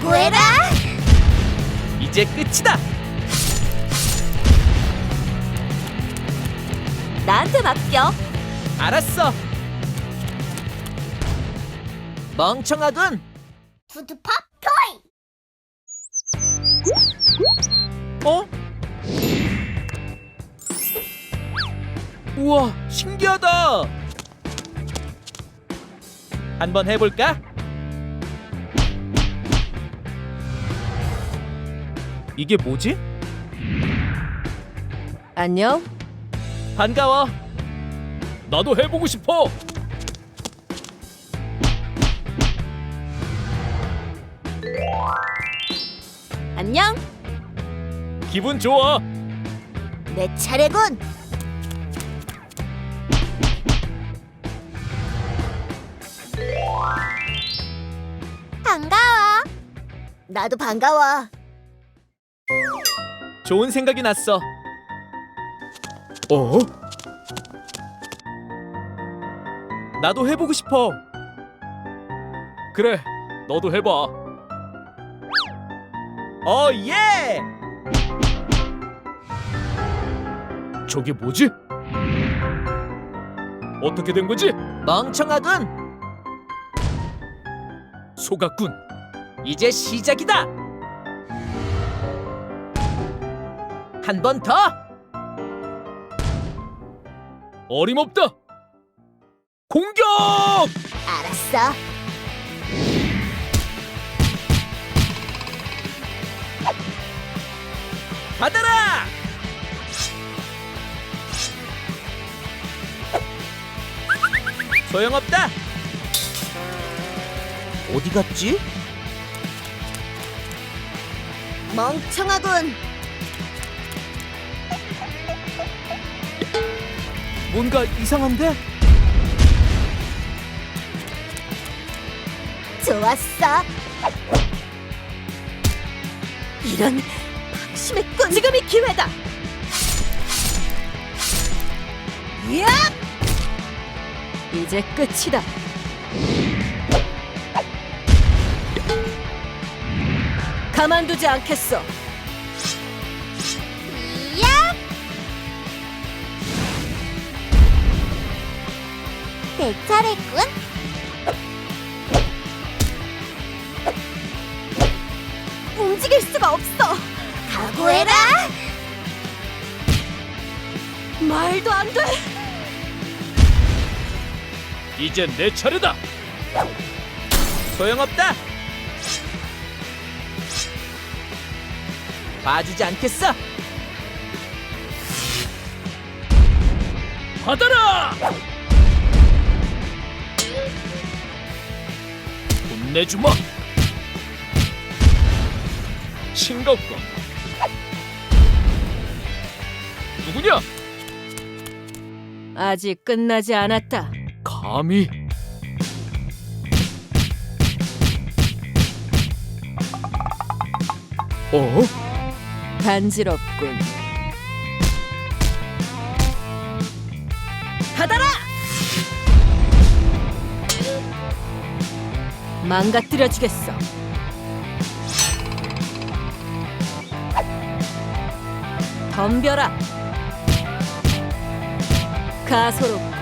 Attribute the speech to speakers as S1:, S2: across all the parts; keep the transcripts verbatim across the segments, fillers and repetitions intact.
S1: 각오해라!
S2: 이제 끝이다.
S1: 나한테 맡겨.
S2: 알았어. 멍청하군.
S1: 푸드팝 토이!
S2: 어? 우와, 신기하다. 한번 해볼까? 이게 뭐지?
S1: 안녕.
S2: 반가워. 나도 해보고 싶어.
S1: 안녕.
S2: 기분 좋아.
S1: 내 차례군. 반가워. 나도 반가워.
S2: 좋은 생각이 났어. 어? 나도 해보고 싶어. 그래, 너도 해봐. 어, 예! 저게 뭐지? 어떻게 된 거지? 멍청하군. 속았군. 이제 시작이다. 한 번 더. 어림없다. 공격!
S1: 알았어.
S2: 받아라! 소용없다. 어디 갔지?
S1: 멍청하군.
S2: 뭔가 이상한데?
S1: 좋았어. 이런 방심했군. 지금이 기회다. 야! 이제 끝이다. 가만두지 않겠어. 야! 내 차례군. 움직일 수가 없어. 각오해라. 말도 안 돼.
S2: 이제 내 차례다. 소용없다. 봐주지 않겠어. 받아라. 혼내주마. 싱겁고. 누구냐?
S1: 아직 끝나지 않았다.
S2: 감히. 어?
S1: 간지럽군. 받아라! 망가뜨려 주겠어. 덤벼라. 가소롭고.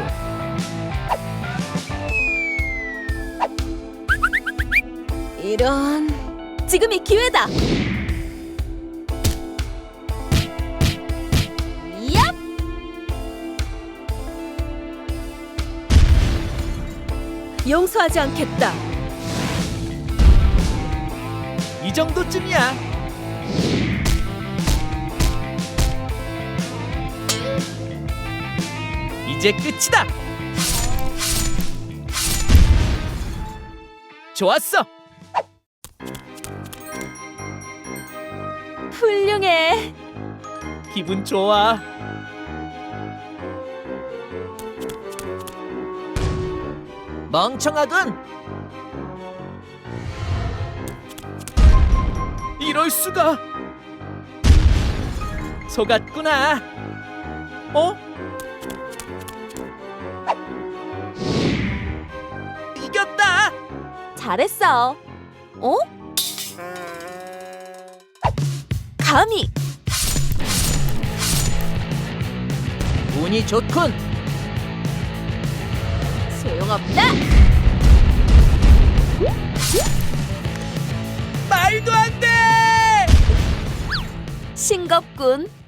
S1: 이런, 지금이 기회다. 얍! 용서하지 않겠다.
S2: 이 정도쯤이야. 이제 끝이다. 좋았어.
S1: 훌륭해.
S2: 기분 좋아. 멍청하군. 이럴 수가. 속았구나. 어? 이겼다.
S1: 잘했어. 어? 감히!
S2: 운이 좋군.
S1: 소용없다!
S2: 말도 안 돼.
S1: 싱겁군.